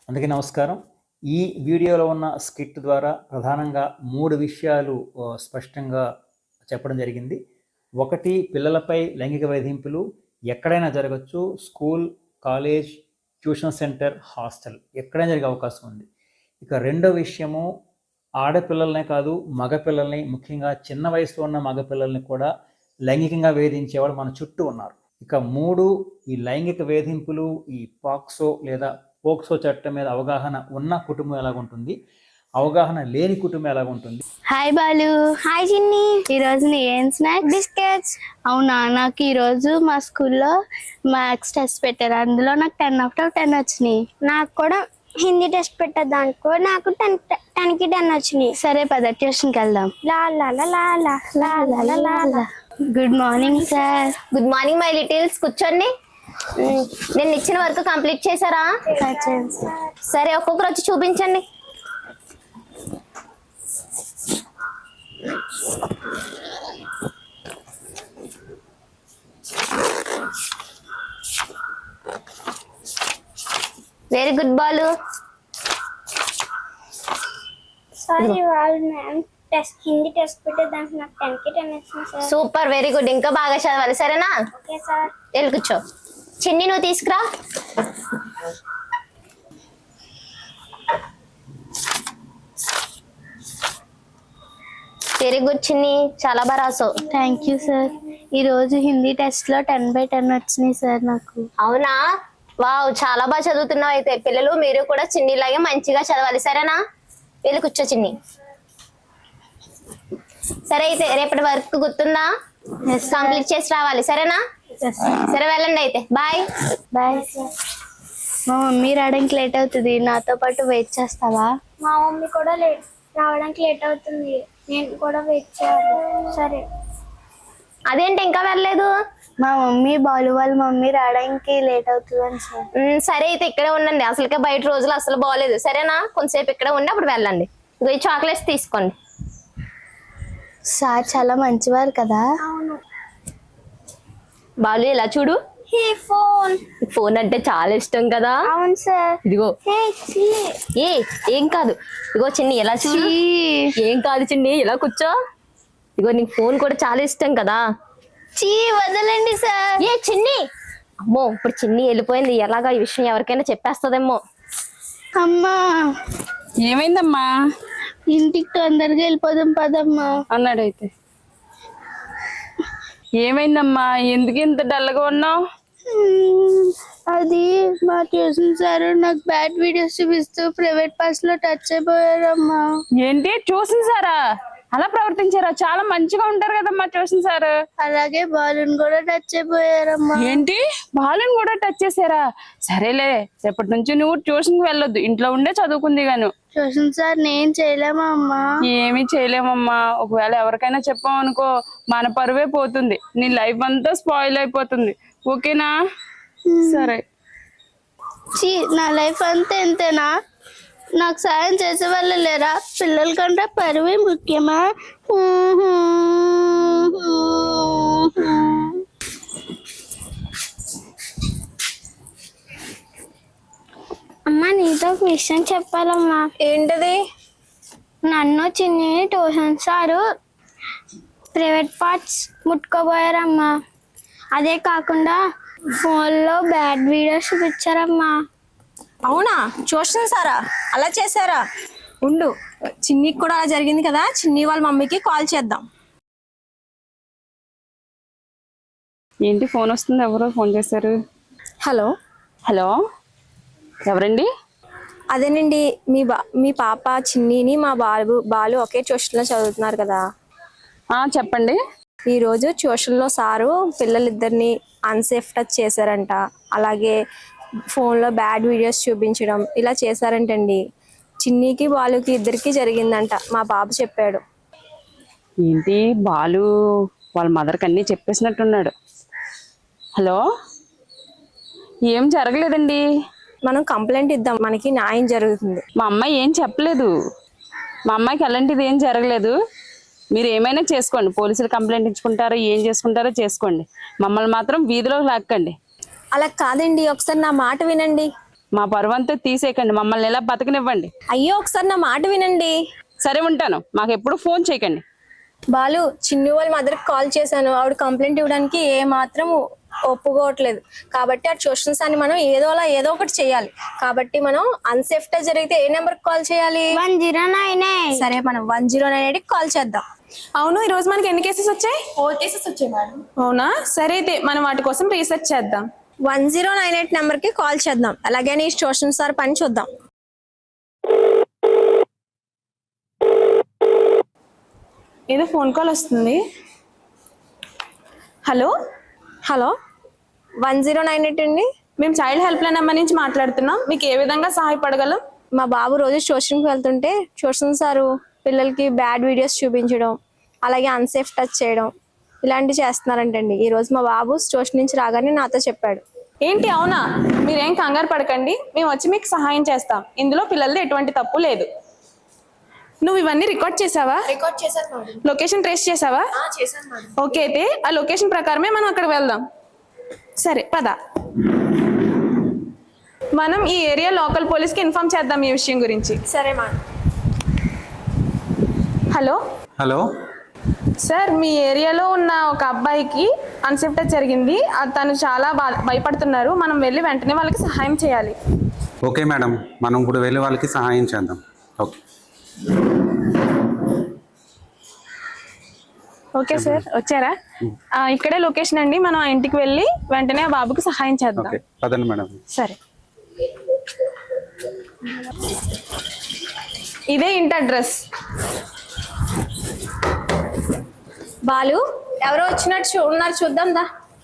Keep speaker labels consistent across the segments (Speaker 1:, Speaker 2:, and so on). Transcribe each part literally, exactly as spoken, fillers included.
Speaker 1: అందరికీ నమస్కారం. ఈ వీడియోలో ఉన్న స్కిట్ ద్వారా ప్రధానంగా మూడు విషయాలు స్పష్టంగా చెప్పడం జరిగింది. ఒకటి, పిల్లలపై లైంగిక వేధింపులు ఎక్కడైనా జరగచ్చు. School, college, tuition centre, hostel ఎక్కడైనా జరిగే అవకాశం ఉంది. ఇక రెండో విషయము, ఆడపిల్లలనే కాదు మగపిల్లల్ని, ముఖ్యంగా చిన్న వయసులో ఉన్న మగపిల్లల్ని కూడా లైంగికంగా వేధించేవాళ్ళు మన చుట్టూ ఉన్నారు. ఇక మూడు, ఈ లైంగిక వేధింపులు, ఈ పాక్సో లేదా పోక్సో చట్టం మీద అవగాహన ఉన్న కుటుంబం ఎలాగుంటుంది, అవగాహన లేని కుటుంబం ఎలాగుంటుంది.
Speaker 2: హాయ్ బాలు.
Speaker 3: హాయ్ చిన్ని.
Speaker 2: ఈరోజు నీ ఏం స్నాక్స్?
Speaker 3: బిస్కెట్స్.
Speaker 2: అవునా, నాకు ఈరోజు మా స్కూల్లో మ్యాథ్స్ టెస్ట్ పెట్టారు, అందులో నాకు టెన్ ఆఫ్ టెన్ వచ్చినాయి.
Speaker 3: నాకు కూడా హిందీ టెస్ట్ పెట్టారు, దానికి నాకు టెన్ టెన్ కి టెన్ వచ్చినాయి.
Speaker 2: సరే పద ట్యూషన్కి వెళ్దాం.
Speaker 3: లా లా లా లా లా లా లా లా లా లా.
Speaker 2: Good morning sir.
Speaker 4: Good morning my littles. కూర్చోండి. నేను ఇచ్చిన వర్క్ కంప్లీట్ చేశారా? సరే, ఒక్కొక్కరు వచ్చి చూపించండి. Very good Balu.
Speaker 3: సారీ వాళ్ళు మ్యామ్ టెస్ట్ హిందీ టెస్ట్ పెట్టే దానికి నాకు టెన్ కి టెన్ వచ్చింది సార్.
Speaker 4: Super, very good. ఇంకా బాగా చదవాలి, సరేనా?
Speaker 3: Okay sir.
Speaker 4: వెళ్ళి కూర్చో. చిన్ని, నువ్వు తీసుకురా. వెరీ గుడ్ చిన్ని, చాలా బాగా రాసావు.
Speaker 2: Thank you sir. ఈరోజు హిందీ టెస్ట్లో టెన్ బై టెన్ వచ్చినాయి సార్ నాకు.
Speaker 4: అవునా, వావ్, చాలా బాగా చదువుతున్నావు. అయితే పిల్లలు మీరు కూడా చిన్నిలాగే మంచిగా చదవాలి, సరేనా? వెళ్ళి కూర్చో చిన్ని. సరే, అయితే రేపటి వర్క్ గుర్తుందా? కంప్లీట్ చేసి రావాలి, సరేనా? సరే, వెళ్ళండి అయితే. Bye
Speaker 2: bye sir. మా మమ్మీ రావడానికి లేట్ అవుతుంది, నాతో పాటు వెయిట్ చేస్తావా?
Speaker 3: మా మమ్మీ కూడా లేట్ రావడానికి లేట్ అవుతుంది, నేను కూడా వెయిట్ చేయాలి. సరే.
Speaker 4: అదేంటి ఇంకా వెళ్ళలేదు?
Speaker 2: మా మమ్మీ బాలు వాళ్ళ మమ్మీ రావడానికి లేట్ అవుతుందని సార్.
Speaker 4: ఉమ్, సరే అయితే ఇక్కడే ఉండండి. అసలుకే బయట రోజులు అసలు బాగోలేదు, సరేనా? కొంతసేపు ఇక్కడే ఉండి అప్పుడు వెళ్ళండి. ఇగో ఈ చాక్లెట్స్ తీసుకోండి.
Speaker 2: సార్ చాలా మంచివారు కదా.
Speaker 3: అవును.
Speaker 4: బాలు, ఇలా చూడు.
Speaker 3: Hey phone.
Speaker 4: ఫోన్ అంటే చాలా ఇష్టం కదా.
Speaker 3: అవును సార్.
Speaker 4: ఇదిగో.
Speaker 3: హే చి.
Speaker 4: ఏ ఏం కాదు. ఇదిగో చిన్ని, ఎలా చూడు. ఏం కాదు చిన్ని, ఇలా కూర్చో. ఇదిగో నీకు ఫోన్ కూడా చాలా ఇష్టం కదా.
Speaker 2: చీ, వదలండి సార్.
Speaker 4: ఏ చిన్ని, అమ్మో ఇప్పుడు చిన్ని వెళ్ళిపోయింది. ఎలాగా ఈ విషయం ఎవరికైనా చెప్పేస్తుందేమో.
Speaker 2: అమ్మా,
Speaker 5: ఏమైందమ్మా?
Speaker 2: ఇంటికి తొందరగా వెళ్ళిపోదాం పదమ్మా
Speaker 5: అన్నాడైతే. ఏమైందమ్మా, ఎందుకు ఇంత డల్గా ఉన్నావు?
Speaker 2: అది మా ట్యూషన్ సార్ నాకు బ్యాడ్ వీడియోస్ చూపిస్తూ ప్రైవేట్ పార్ట్స్ లో టచ్ అయిపోయారమ్మా.
Speaker 5: ఏంటి, ట్యూషన్ సారా అలా ప్రవర్తించారా? చాలా మంచిగా ఉంటారు కదమ్మా ట్యూషన్ సార్.
Speaker 2: అలాగే బాలుని కూడా టచ్ అయిపోయారమ్మా.
Speaker 5: ఏంటి, బాలుని కూడా టచ్ చేసారా? సరేలే, రేపటి నుంచి నువ్వు ట్యూషన్ కి వెళ్ళొద్దు, ఇంట్లో ఉండే చదువుకుంది గాను.
Speaker 2: ట్యూషన్ సార్ నేను చేయలేమా అమ్మా?
Speaker 5: ఏమీ చేయలేమమ్మా. ఒకవేళ ఎవరికైనా చెప్పామనుకో మన పరువే పోతుంది, నీ లైఫ్ అంతా స్పాయిల్ అయిపోతుంది. ఓకేనా? సరే.
Speaker 2: చీ, నా లైఫ్ అంతా ఎంతేనా? నాకు సాయం చేసే వాళ్ళు లేరా? పిల్లల కంటే పరువే ముఖ్యమా?
Speaker 3: అమ్మా, నీతో ఒక విషయం చెప్పాలమ్మా.
Speaker 4: ఏంటది?
Speaker 3: నన్ను Chinni tuition sir private parts ముట్టుకోబోయారమ్మా. అదే కాకుండా ఫోన్లో బ్యాడ్ వీడియోస్ చూపించారమ్మా.
Speaker 6: అవునా, ట్యూషన్ సారా అలా చేశారా? ఉండు, చిన్నికి కూడా అలా జరిగింది కదా, చిన్ని వాళ్ళ మమ్మీకి కాల్ చేద్దాం.
Speaker 5: ఏంటి, ఫోన్ వస్తుంది? ఎవరో ఫోన్ చేశారు.
Speaker 6: హలో.
Speaker 5: హలో, ఎవరండి?
Speaker 6: అదేనండి, మీ బా మీ పాప చిన్నిని మా బాలు బాలు ఒకే ట్యూషన్లో చదువుతున్నారు కదా.
Speaker 5: చెప్పండి.
Speaker 6: ఈరోజు ట్యూషన్లో సారు పిల్లలిద్దరిని అన్సేఫ్ టచ్ చేశారంట, అలాగే ఫోన్లో బ్యాడ్ వీడియోస్ చూపించడం ఇలా చేశారంటండి. చిన్నికి బాలుకి ఇద్దరికి జరిగిందంట, మా బాబు చెప్పాడు.
Speaker 5: ఏంటి, బాలు వాళ్ళ మదర్కి అన్నీ చెప్పేసినట్టున్నాడు. హలో, ఏం జరగలేదండి.
Speaker 6: మనం కంప్లైంట్ ఇద్దాం, మనకి న్యాయం జరుగుతుంది.
Speaker 5: మా అమ్మాయి ఏం చెప్పలేదు, మా అమ్మాయికి అలాంటిది ఏం జరగలేదు. మీరు ఏమైనా చేసుకోండి, పోలీసులు కంప్లైంట్ ఇచ్చుకుంటారో ఏం చేసుకుంటారో చేసుకోండి, మమ్మల్ని మాత్రం వీధిలోకి లాక్కండి.
Speaker 6: అలా కాదండి, ఒకసారి నా మాట వినండి.
Speaker 5: మా పరువు అంతా తీసేయకండి, మమ్మల్ని ఎలా బతకనివ్వండి.
Speaker 6: అయ్యో ఒకసారి నా మాట వినండి.
Speaker 5: సరే ఉంటాను, మాకు ఎప్పుడు ఫోన్ చేయకండి.
Speaker 6: బాలు, చిన్ని వాళ్ళ మదర్కి కాల్ చేశాను. ఆవిడ కంప్లైంట్ ఇవ్వడానికి ఏ మాత్రం ఒప్పుకోవట్లేదు. కాబట్టి ఆ ట్యూషన్స్ అని మనం ఏదోలా ఏదో ఒకటి చేయాలి. కాబట్టి మనం అన్సేఫ్టీ జరిగితే ఏ నెంబర్కి కాల్ చేయాలి?
Speaker 3: వన్ జీరో నైన్
Speaker 6: సరే, మనం వన్ జీరో నైన్ ఎయిట్కి కాల్ చేద్దాం.
Speaker 7: అవును, ఈ రోజు మనకి ఎన్ని కేసెస్ వచ్చాయి? ఫోర్ కేసెస్ వచ్చాయి మేడం. అవునా, సరే అయితే మనం వాటి కోసం రీసెర్చ్ చేద్దాం.
Speaker 6: వన్ జీరో నైన్ ఎయిట్ నెంబర్కి కాల్ చేద్దాం. అలాగే నీ ట్యూషన్ సార్ పని చూద్దాం.
Speaker 7: ఏదో ఫోన్ కాల్ వస్తుంది. Hello
Speaker 6: hello, one zero nine eight అండి.
Speaker 7: మేము చైల్డ్ హెల్ప్ లైన్ నెంబర్ నుంచి మాట్లాడుతున్నాం. మీకు ఏ విధంగా సహాయపడగలం?
Speaker 6: మా బాబు రోజు ట్యూషన్కి వెళ్తుంటే ట్యూషన్ సారు పిల్లలకి బ్యాడ్ వీడియోస్ చూపించడం, అలాగే అన్సేఫ్ టచ్ చేయడం ఇలాంటివి చేస్తున్నారంటండి. ఈ రోజు మా బాబు ట్యూషన్ నుంచి రాగానే నాతో చెప్పాడు.
Speaker 7: ఏంటి, అవునా? మీరేం కంగారు పడకండి, మేము వచ్చి మీకు సహాయం చేస్తాం. ఇందులో పిల్లలది ఎటువంటి తప్పు లేదు. నువ్వు ఇవన్నీ రికార్డ్ చేసావా?
Speaker 6: రికార్డ్ చేశాను.
Speaker 7: లొకేషన్ ట్రేస్ చేసావా? ఓకే, అయితే ఆ లొకేషన్ ప్రకారమే మనం అక్కడ వెళ్దాం. సరే పద. మనం ఈ ఏరియా లోకల్ పోలీస్కి ఇన్ఫార్మ్ చేద్దాం ఈ విషయం గురించి.
Speaker 6: సరే మేడం.
Speaker 7: హలో
Speaker 8: హలో
Speaker 7: సార్, మీ ఏరియాలో ఉన్న ఒక అబ్బాయికి అన్సేఫ్ టచ్ జరిగింది. ఆ- తను చాలా బా- భయపడుతున్నారు. మనం వెళ్ళి వెంటనే వాళ్ళకి సహాయం చేయాలి.
Speaker 8: ఓకే మేడం, మనం ఇప్పుడు వెళ్ళి వాళ్ళకి సహాయం చేద్దాం. ఓకే
Speaker 7: ఓకే సార్, వచ్చారా? ఆ, ఇక్కడే లొకేషన్ అండి. మనం ఆ ఇంటికి వెళ్ళి వెంటనే ఆ బాబుకి సహాయం చేద్దాం.
Speaker 8: ఓకే పదండి మేడం.
Speaker 7: సరే, ఇదే ఇంటి అడ్రస్.
Speaker 6: బాలు, ఎవరో వచ్చినట్టు చూ- ఉన్నారు, చూద్దాం దా.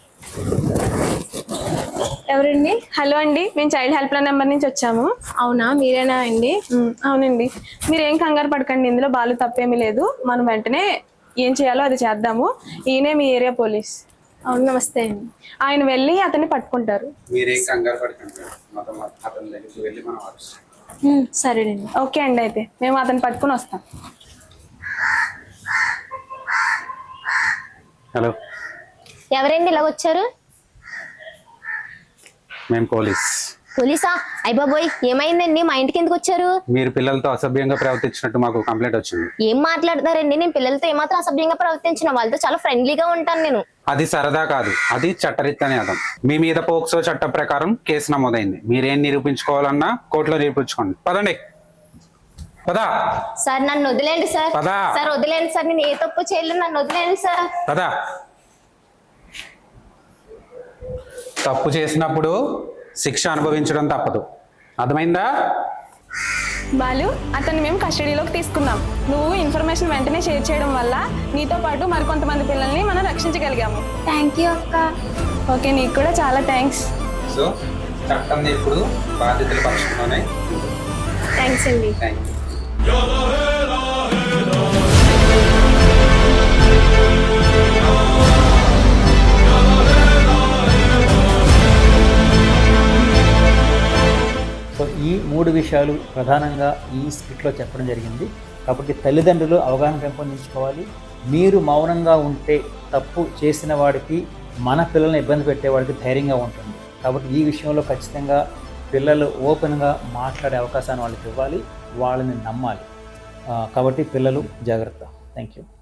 Speaker 6: ఎవరండి?
Speaker 7: హలో అండి, మేము చైల్డ్ హెల్ప్ లైన్ నెంబర్ నుంచి వచ్చాము.
Speaker 6: అవునా, మీరేనా అండి?
Speaker 7: ఉమ్, అవునండి. మీరు ఏం కంగారు పడకండి, ఇందులో బాలు తప్పేమీ లేదు. మనం వెంటనే ఏం చేయాలో అది చేద్దాము. ఈయనే మీ ఏరియా పోలీస్.
Speaker 6: అవును, నమస్తే అండి.
Speaker 7: ఆయన వెళ్ళి అతన్ని పట్టుకుంటారు.
Speaker 8: మీరేం కంగారు పడకండి, మొత్తం అతని దగ్గరికి వెళ్ళి మనం
Speaker 6: ఉమ్, సరేనండి.
Speaker 7: ఓకే అండి, అయితే మేము అతన్ని పట్టుకుని వస్తాం.
Speaker 8: హలో,
Speaker 4: ఎవరండి ఇలా వచ్చారు?
Speaker 8: మేము పోలీస్.
Speaker 4: పోలీసా? అయ్యబాబోయ్, ఏమైందండి? మా ఇంటికి ఎందుకు వచ్చారు?
Speaker 8: మీరు పిల్లలతో అసభ్యంగా ప్రవర్తించినట్టు మాకు కంప్లైంట్ వచ్చింది.
Speaker 4: ఏం మాట్లాడతారండి? నేను పిల్లలతో ఏమాత్రం అసభ్యంగా ప్రవర్తించిన, వాళ్ళతో చాలా ఫ్రెండ్లీగా ఉంటాను నేను.
Speaker 8: అది సరదా కాదు, అది చట్టరీత్యానేదం. మీ మీద పోక్సో చట్ట ప్రకారం కేసు నమోదైంది. మీరేం నిరూపించుకోవాలన్నా కోర్టులో నిరూపించుకోండి. పదండి, పదా
Speaker 4: సార్ నన్ను వదిలేండి సార్.
Speaker 8: పదా.
Speaker 4: సార్ వదిలేండి సార్, నేను ఏ తప్పు చేయలేదు, నన్ను వదిలేండి సార్.
Speaker 8: పదా. తప్పు చేసినప్పుడు శిక్ష అనుభవించడం తప్పదు, అర్థమైందా?
Speaker 7: బాలు, అతన్ని మేము కస్టడీలోకి తీసుకున్నాం. నువ్వు ఇన్ఫర్మేషన్ వెంటనే షేర్ చేయడం వల్ల నీతో పాటు మరికొంతమంది పిల్లల్ని మనం రక్షించగలిగాము.
Speaker 3: థ్యాంక్ యూ అక్క.
Speaker 7: ఓకే, నీకు కూడా చాలా థ్యాంక్స్.
Speaker 8: సో చట్టం ఇప్పుడు బాధ్యతల పక్షంలోనే.
Speaker 6: థ్యాంక్స్ అండి.
Speaker 8: Thank you.
Speaker 1: సో ఈ మూడు విషయాలు ప్రధానంగా ఈ స్క్రిప్ట్లో చెప్పడం జరిగింది. కాబట్టి తల్లిదండ్రులు అవగాహన పెంపొందించుకోవాలి. మీరు మౌనంగా ఉంటే తప్పు చేసిన వాడికి, మన పిల్లల్ని ఇబ్బంది పెట్టేవాడికి ధైర్యంగా ఉంటుంది. కాబట్టి ఈ విషయంలో ఖచ్చితంగా పిల్లలు ఓపెన్గా మాట్లాడే అవకాశాన్ని వాళ్ళకి ఇవ్వాలి, వాళ్ళని నమ్మాలి. కాబట్టి పిల్లలు జాగ్రత్త. Thank you.